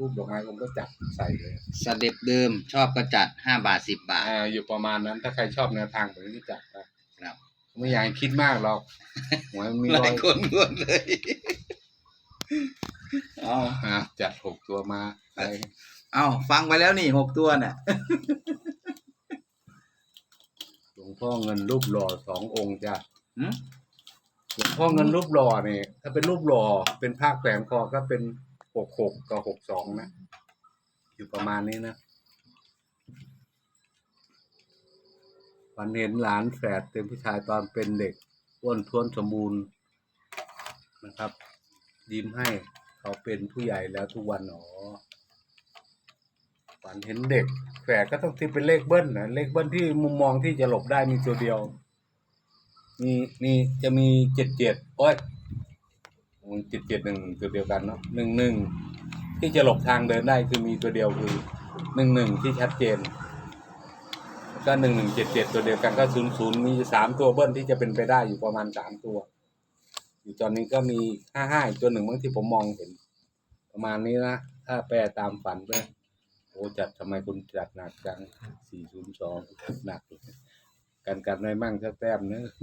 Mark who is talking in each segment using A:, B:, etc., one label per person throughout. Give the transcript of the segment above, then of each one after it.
A: รูปดอกไม้ผมก็จัดใส่เลย
B: สเต็ปเดิมชอบก็จัด5 บาท 10 บาท
A: อยู่ประมาณนั้นถ้าใครชอบแนวทางแบบนี้จัดนะครับไม่อยากให้คิดมากหรอกหวยมี
B: หลายคนงวดเลย
A: จัด6 ตัวมา
B: ฟังไปแล้วนี่6 ตัวน่ะ
A: หลวงพ่อเงินรูปหล่อ2 องค์จ้ะหลวงพ่อเงินรูปหล่อนี่ถ้าเป็นรูปหล่อเป็นภาคแขวนคอก็เป็น66กับ62นะอยู่ประมาณนี้นะฝันเห็นหลานแฝดเป็นผู้ชายตอนเป็นเด็กอ้วนท้วนสมบูรณ์นะครับยิ้มให้เขาเป็นผู้ใหญ่แล้วทุกวันฝันเห็นเด็กแฝดก็ต้องที่เป็นเลขเบิ้ลนะเลขเบิ้ลที่มุมมองที่จะหลบได้มีตัวเดียวมีจะมี77โอ้ย771ตัวเดียวกันเนาะ11ที่จะหลบทางเดินได้คือมีตัวเดียวคือ11ที่ชัดเจนก็1177ตัวเดียวกันก็00มี3ตัวเบิ้ลที่จะเป็นไปได้อยู่ประมาณ3ตัวอยู่ตอนนี้ก็มี55อีกตัวหนึ่งบางที่ผมมองเห็นประมาณนี้นะถ้าแปลตามฝันก็โอ้จัดทำไมคุณจัดหนักจัง402หนักกันไม่มั่งสักแต้มเนอะ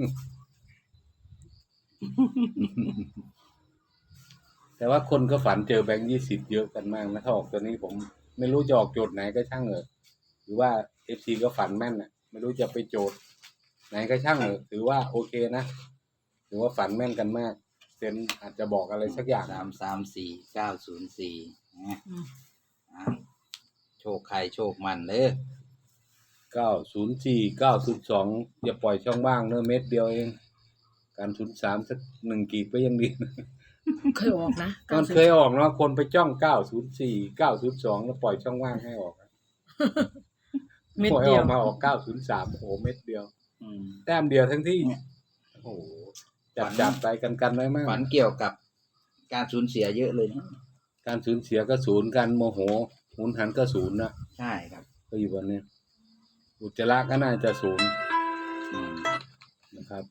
A: แต่ว่าคนก็ฝันเจอแบงค์20เยอะกันมากนะถ้าออกตัวนี้ผมไม่รู้จะออกโจทย์ไหนก็ช่างเถอะหรือว่า FC ก็ฝันแม่นน่ะไม่รู้จะไปโจทย์ไหนก็ช่างเถอะถือว่าโอเคนะถือว่าฝันแม่นกันมากเซนอาจจะบอกอะไรสักอย่าง
B: 334 904โชคใครโชคมันเด้อ
A: 904 902อย่าปล่อยช่องว่างเนอะเม็ดเดียวเองการ03สัก1กีบก็ยังดี
C: เคยออกนะ
A: มันเคยออกเนาะคนไปจ้อง904 902แล้วปล่อยช่องว่างให้ออก
C: เม็ดเดียว
A: มาออก903โอ้โหเม็ดเดียวแต้มเดียวทั้งที่โอ้โหจับไปกันไว้มาก
B: ฝันเกี่ยวกับการสูญเสียเยอะเลยนะ
A: การสูญเสียก็0การโมโหหุนหันก็0นะ
B: ใช่ครับ
A: ก็อยู่วันนี้อุจจาระก็น่าจะ0นะครับ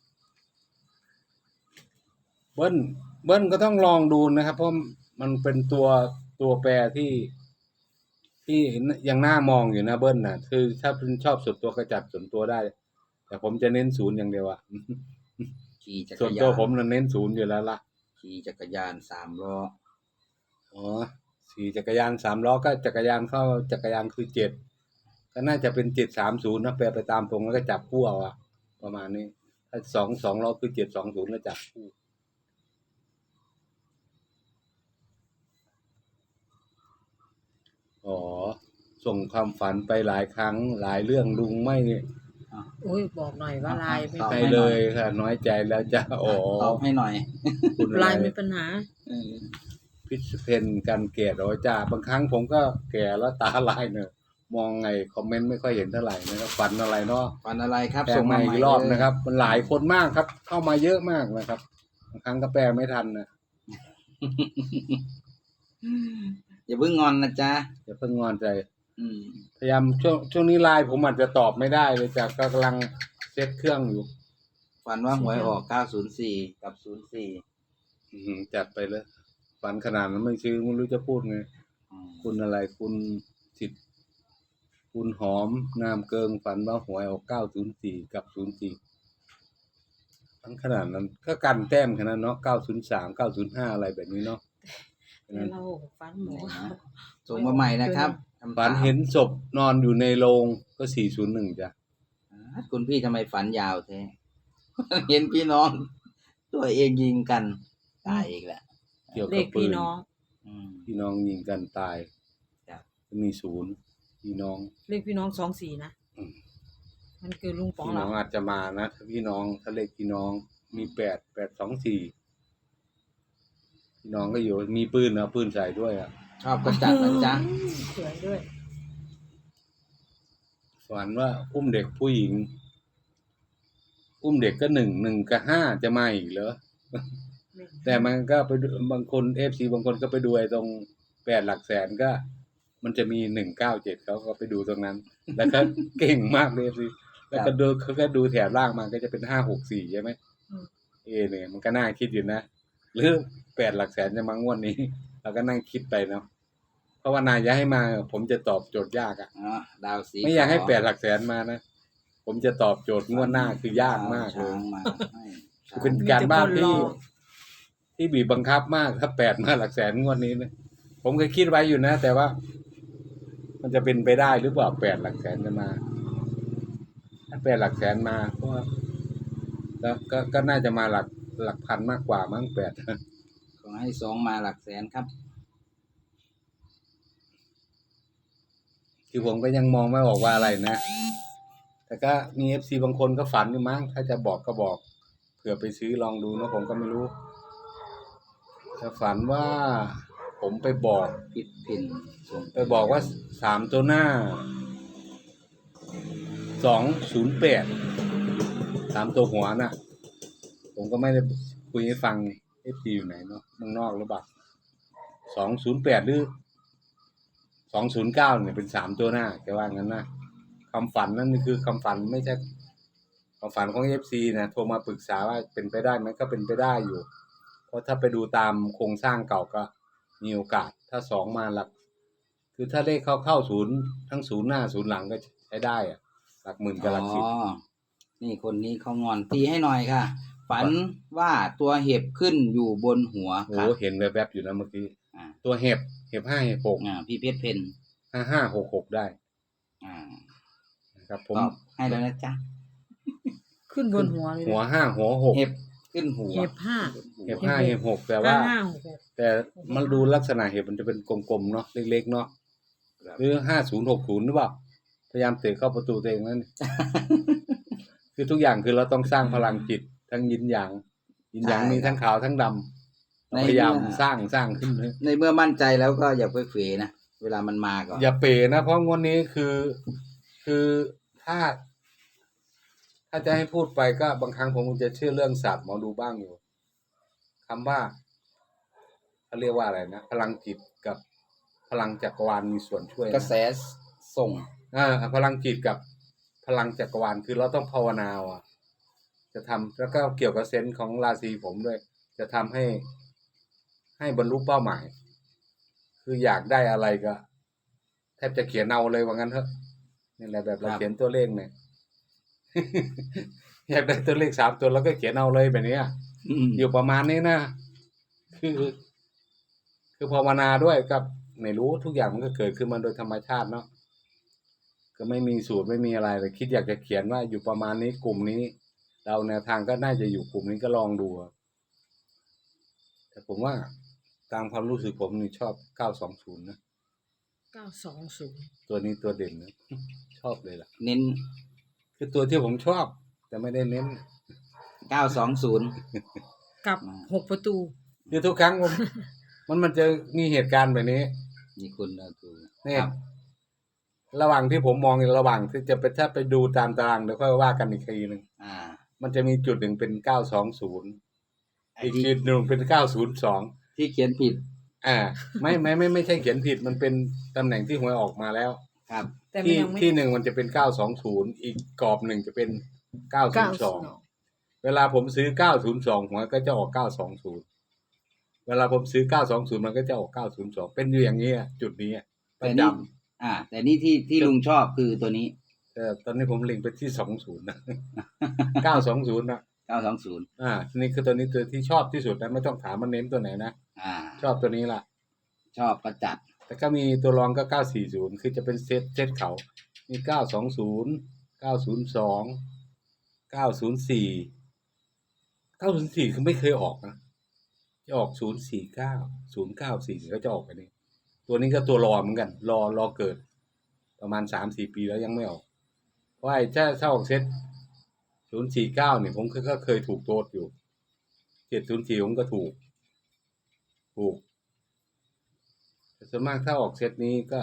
A: เบิ้ลก็ต้องลองดูนะครับเพราะมันเป็นตัวแปรที่ยังน่ามองอยู่นะเบิ้ลน่ะคือถ้าคุณชอบส่วนตัวก็จัดส่วนตัวได้แต่ผมจะเน้น0อย่างเดียว
B: ขี่จักรยาน
A: ส่วนตัวผมเน้น0อยู่แล้วล่ะ
B: ขี่จักรยาน3 ล้อ
A: ขี่จักรยาน3 ล้อก็จักรยานเข้าจักรยานคือ7ก็น่าจะเป็น730นะแปลไปตามตรงแล้วก็จับคู่เอาประมาณนี้ถ้า2 ล้อคือ720แล้วจับคู่ส่งความฝันไปหลายครั้งหลายเรื่องลุงไม่
C: บอกหน่อยว่าลายไม่
A: ไปเลยค่ะน้อยใจแล้วจะ
B: ตอบให้หน่อย
C: ลายมีปัญหา
A: พิษเพนกันแก่ร้อยจ้าบางครั้งผมก็แก่แล้วตาลายเนอะมองไงคอมเมนต์ไม่ค่อยเห็นเท่าไหร่นะครับฝันอะไรเนาะ
B: ฝันอะไรครับ
A: ส่งมาอีกรอบนะครับมันหลายคนมากครับเข้ามาเยอะมากนะครับบางครั้งก็แปลไม่ทันนะ
B: อย่าเพิ่งงอนนะจ๊ะ
A: อย่าเพิ่งงอนใจพยายามช่วงนี้ไลน์ผมอาจจะตอบไม่ได้เลยจากกำลังเช็คเครื่องอยู่
B: ฝันว่าหวยออก904กับ04
A: จัดไปเลยฝันขนาดนั้นไม่ชื่อไม่รู้จะพูดไงคุณอะไรคุณสิทธิ์คุณหอมงามเกิงฝันว่าหวยออก904กับ04ทั้งขนาดนั้นก็กันแต้มขนาดเนาะ903 905อะไรแบบนี้เนาะ
C: เราฝันหมู
B: ส่งมาใหม่นะครับ
A: ฝันเห็นศพนอนอยู่ในโรงก็401จ้ะ
B: คุณพี่ทำไมฝันยาวแท้เห็นพี่น้องตัวเองยิงกันตายอีกแล้ว
A: เกี่ยวกับปืนพี่น้องยิงกันตายจะมี0พี่น้อง
C: เลขพี่น้อง24นะมันคือลุงป๋อง
A: พี่น้องอาจจะมานะถ้าพี่น้องถ้าเลขพี่น้องมี8824พี่น้องก็อยู่มีปืนเอาปืนใส่ด้วย
B: ชอบก็จัดนะจ๊ะ
C: สวยด้วย
A: ฝันว่าอุ้มเด็กผู้หญิงอุ้มเด็กก็1กับ5จะมาอีกเหรอแต่มันก็ไปบางคน FC บางคนก็ไปดูไอ้ตรง8หลักแสนก็มันจะมี197เขาก็ไปดูตรงนั้นแล้วก็เก่งมากเลย FC แล้วก็ดูเขาก็ดูแถบล่างมาก็จะเป็น564ใช่ไหมเนี่ยมันก็น่าคิดอยู่นะหรือ8หลักแสนจะมางวดนี้เราก็นั่งคิดไปเนาะภาวนาอย่าให้มา ผมจะตอบโจทย์ยากอ่ะ
B: อ๋อดาวสี
A: ไม่อยากให้
B: ขว
A: 8 หลักแสนมานะผมจะตอบโจทย์งวดหน้าคือยากมากเล
B: ช้าย งมาให้
A: คือเป็นการบ้านที่บีบบังคับมากถ้า8 มาหลักแสนงวดนี้นะผมเคยคิดไว้อยู่นะ แต่ว่า มันจะเป็นไปได้หรือเปล่า8 หลักแสนจะมาถ้า8 หลักแสนมาก็แล้วก็น่าจะมาหลักพันมากกว่ามั้ง8
B: ขอให้2มาหลักแสนครับ
A: คือผมก็ยังมองไม่ออกว่าอะไรนะ แต่ก็มี FC บางคนก็ฝันอยู่มั้งถ้าจะบอกก็บอกเผื่อไปซื้อลองดูนะผมก็ไม่รู้แต่ฝันว่าผมไปบอก
B: ปิดพินส่ง
A: ไปบอกว่า3 ตัวหน้า208 3 ตัวหัวน่ะ ผมก็ไม่ได้คุยให้ฟัง FC อยู่ไหนเนาะเมืองนอกหรือเปล่า208หรือ209เนี่ยเป็น3 ตัวหน้าแกว่างั้นนะคำฝันนั่นคือคำฝันไม่ใช่ความฝันของ FC นะโทรมาปรึกษาว่าเป็นไปได้ไหมก็เป็นไปได้อยู่ เพราะถ้าไปดูตามโครงสร้างเก่าก็มีโอกาสถ้า2มาหลักคือถ้าเลขเข้าศูนย์ทั้งศูนย์หน้าศูนย์หลังก็ใช้ได้อะหลักหมื่นกับหลักสิบ
B: อ๋อนี่คนนี้เขางอนตีให้หน่อยค่ะ ฝันว่าตัวเห็บขึ้นอยู่บนหัว
A: โอ้
B: ค่ะ
A: เห็นแวบๆอยู่นะเมื่อกี้
B: อ่า
A: ตัวเห็บ5 เห็บ6
B: พี่เพชรเพน
A: 5 5 6 6ได้
B: อ่า
A: นะครับผ
B: ต
A: ม
B: อบให้แล้วนะจ๊ะ
C: ขึ้นบนหัวเลยนะ
A: หัว5 หัว6
B: เห็บขึ้นหัว
C: เห็บห้า
A: เห็บ5 เห็บ6แต่ว่า
C: 5
A: แต่มันดูลักษณะเห็บมันจะเป็นกลมๆเนาะเล็กๆเนาะหรือ5060หรือเปล่าพยายามเตะเข้าประตูตัวเองนั่น คือทุกอย่างคือเราต้องสร้างพลังจิตทั้งยินหยางยินหยางมีทั้งขาวทั้งดำพยายามสร้างขึ้นเลย
B: ในเมื่อมั่นใจแล้วก็อย่าไปเฟนะเวลามันมาก่อน
A: อย่าเป๋นะเพราะงวดนี้คือถ้าจะให้พูดไปก็บางครั้งผมจะเชื่อเรื่องศาสตร์หมอดูบ้างอยู่คำว่าเขาเรียกว่าอะไรนะพลังจิตกับพลังจักรวาลมีส่วนช่วยนะ
B: กระแสส่ง
A: พลังจิตกับพลังจักรวาลคือเราต้องภาวนาอ่ะจะทำแล้วก็เกี่ยวกับเซนส์ของราศีผมด้วย จะทำให้บรรลุเป้าหมาย คืออยากได้อะไรก็แทบจะเขียนเอาเลยว่างั้นเถอะนี่แหละแบบเราเขียนตัวเลขเนี่ย อยากได้ตัวเลข3 ตัวแล้วก็เขียนเอาเลยแบบนี้อยู่ประมาณนี้นะคือภาวนาด้วยกับไม่รู้ทุกอย่างมันก็เกิดขึ้นมาโดยธรรมชาติเนาะก็ไม่มีสูตรไม่มีอะไรแต่คิดอยากจะเขียนว่าอยู่ประมาณนี้กลุ่มนี้เราแนวทางก็น่าจะอยู่กลุ่มนี้ก็ลองดูแต่ผมว่าตามความรู้สึกผมนี่ชอบ920นะ
C: 920
A: ตัวนี้ตัวเด่นนะชอบเลยล่ะ
B: เน้น
A: คือตัวที่ผมชอบ แต่ไม่ได้เน้น
B: 920
C: กับ6 ประตู
A: คือทุกครั้งมันจะมีเหตุการณ์แบบนี้
B: นี่คุณเราดู
A: นี่
B: ครับ
A: ระหว่างที่ผมมองระหว่างที่จะไปถ้าไปดูตามตารางเดี๋ยวค่อยว่ากันอีกทีหนึ่ง
B: อ่า
A: มันจะมีจุดหนึ่งเป็น920
B: ไอ้
A: อีก
B: ที่
A: จุดหนึ่งเป็น902
B: ที่เขียนผิด
A: ไม่ใช่เขียนผิดมันเป็นตำแหน่งที่หวยออกมาแล้ว
B: ครับ
C: แต่มันยังไม่
A: ที่หนึ่งมันจะเป็น920อีกกรอบหนึ่งจะเป็น902เวลาผมซื้อ902หัวก็จะออก920เวลาผมซื้อ920มันก็จะออก902เป็นอยู่อย่างนี้จุดนี้ประจำ
B: แต่นี่ที่ลุงชอบคือตัวนี้
A: ตอนนี้ผมเล็งไปที่20นะ 920นะ
B: 920
A: นี่คือตัวนี้ตัวที่ชอบที่สุดนะไม่ต้องถามมันเน้นตัวไหนนะ ชอบตัวนี้ล่ะ
B: ชอบก็จัด
A: แต่ก็มีตัวรองก็940คือจะเป็นเซตเขามี920 902 904 904คือไม่เคยออกนะจะออก049 094ก็จะออกไปนี่ตัวนี้ก็ตัวรอเหมือนกันรอเกิดประมาณ 3-4 ปีแล้วยังไม่ออกเพราะไอ้ถ้าออกเซต049เนี่ยผมก็เคยถูกโต๊ดอยู่704ผมก็ถูกแต่ส่วนมากถ้าออกเซตนี้ก็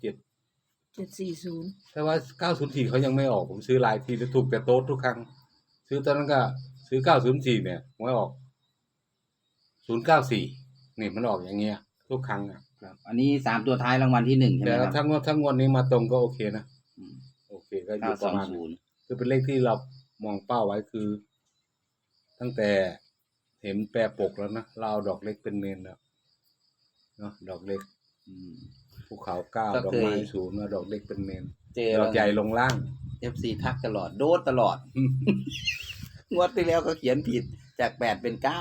C: 740
A: แต่ว่า904เขายังไม่ออกผมซื้อหลายทีแล้วถูกแต่โต๊ดทุกครั้งซื้อตอนนั้นก็ซื้อ904เนี่ยไม่ออก094นี่มันออกอย่างเงี้ยทุกครั้งอ่ะ
B: ครับ อันนี้3ตัวท้ายรางวัลที่1ใช่ไหม
A: แต่
B: ครับ
A: ถ้างวดนี้มาตรงก็โอเคนะ
B: อืม
A: โอเคก็อยู่ประมาณ
B: 920
A: คือเป็นเลขที่เรามองเป้าไว้คือ ตั้งแต่เห็นแปรปกแล้วนะเราเอาดอกเล็กเป็นเมนแล้วเนาะดอกเล็ก
B: อืม
A: ภูเขาเก้า
B: ก็
A: ดอก
B: เคย
A: ไม้ศูนย์ดอกเล็กเป็นเมน
B: เจอ
A: ดอกใหญ่ลงล่าง
B: FC ทักตลอดโดดตลอด งวดที่แล้วก็เขียนผิดจาก8เป็น9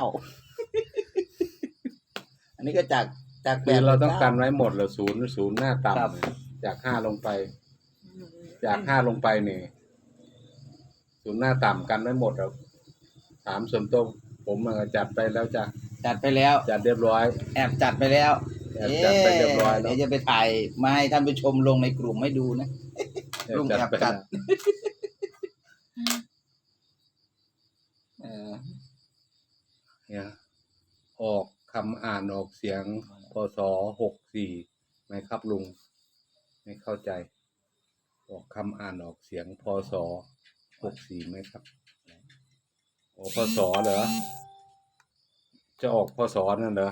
B: อันนี้ก็จาก8
A: คือเรา
B: ป็
A: ต้องการ
B: 9
A: ไว้หมดเลยศูนย์หน้า
B: ครับ
A: ต่ำเนี่ยจาก5ลงไป จาก5ลงไปเนี่ยศูนย์หน้าต่ำกันไว้หมดแล้วถามส่วนตัวผมจัดไปแล้วจ้ะ
B: จัดไปแล้ว
A: จัดเรียบร้อย
B: แอบจัดไปแล้ว
A: แอบจัดไปเรียบร้อยแล้ว
B: เดี๋ยวจะไปถ่ายมาให้ท่านผู้ชมลงในกลุ่มให้ดูนะ ลุงแอบจัด
A: เนี่ยออกคำอ่านออกเสียงพศ64ไหมครับลุงไม่เข้าใจ ออกคำอ่านออกเสียงพศ64ไหมครับออกพศเหรอจะออกพศนั่นเหรอ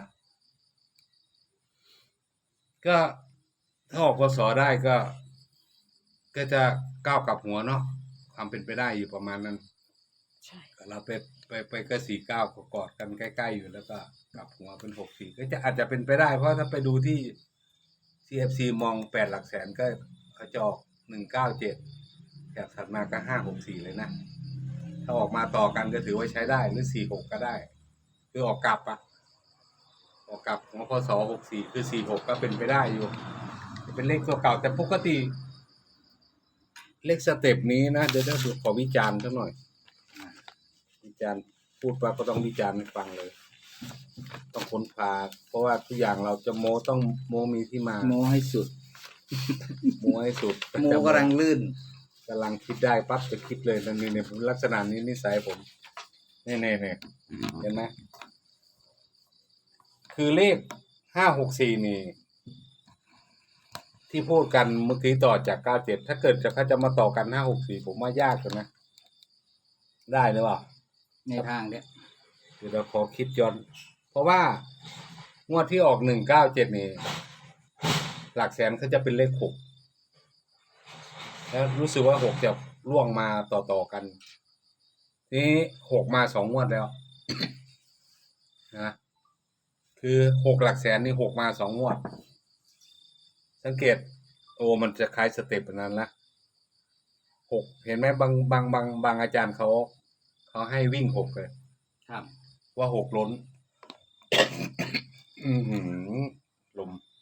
A: ก็ถ้าออกพศได้ก็จะก้าวกลับหัวเนาะความเป็นไปได้อยู่ประมาณนั้น
C: ใช่
A: เราไปก็49ก็กอดกันใกล้ๆอยู่แล้วก็กลับหัวเป็น64ก็จะอาจจะเป็นไปได้เพราะถ้าไปดูที่ CFC มอง8หลักแสนก็เขาจะออก197แถบถัดมาก็564เลยนะถ้าออกมาต่อกันก็ถือว่าใช้ได้หรือ46ก็ได้คือออกกลับออกกลับของพศ64คือ46ก็เป็นไปได้อยู่เป็นเลขตัวเก่าแต่ปกติเลขสเต็ปนี้นะเดี๋ยวดูขอวิจารณ์สักหน่อยวิจารณ์พูดว่าก็ต้องวิจารณ์ให้ฟังเลย ต้องค้นคว้าเพราะว่าทุกอย่างเราจะโม้ต้องโม้มีที่มา
B: โมให้สุด
A: โม้ให้สุด
B: โมกำลังลื่น
A: กำลังคิดได้ปั๊บจะคิดเลยนั่นนี่เนี่ยลักษณะนี้นิสัยผมเนี่ยเห็นไหมคือเลข564นี่ ที่พูดกันเมื่อกี้ต่อจาก97ถ้าเกิดเขาจะมาต่อกัน564ผมว่ายากเลยนะได้หรือเปล่า
B: ในทางเนี้ย
A: เดี๋ยวเราขอคิดย้อนเพราะว่างวดที่ออก197นี่หลักแสนเขาจะเป็นเลข6แล้วรู้สึกว่า6จะล่วงมาต่อกันนี้6มา2งวดแล้ว นะคือ6หลักแสนนี่6มา2งวดสังเกตโอ้มันจะคล้ายสเต็ปนั้นละ6เห็นไหมบางอาจารย์เขาให้วิ่ง6เลย
B: ครับ
A: ว่า6ล้น อือหือลม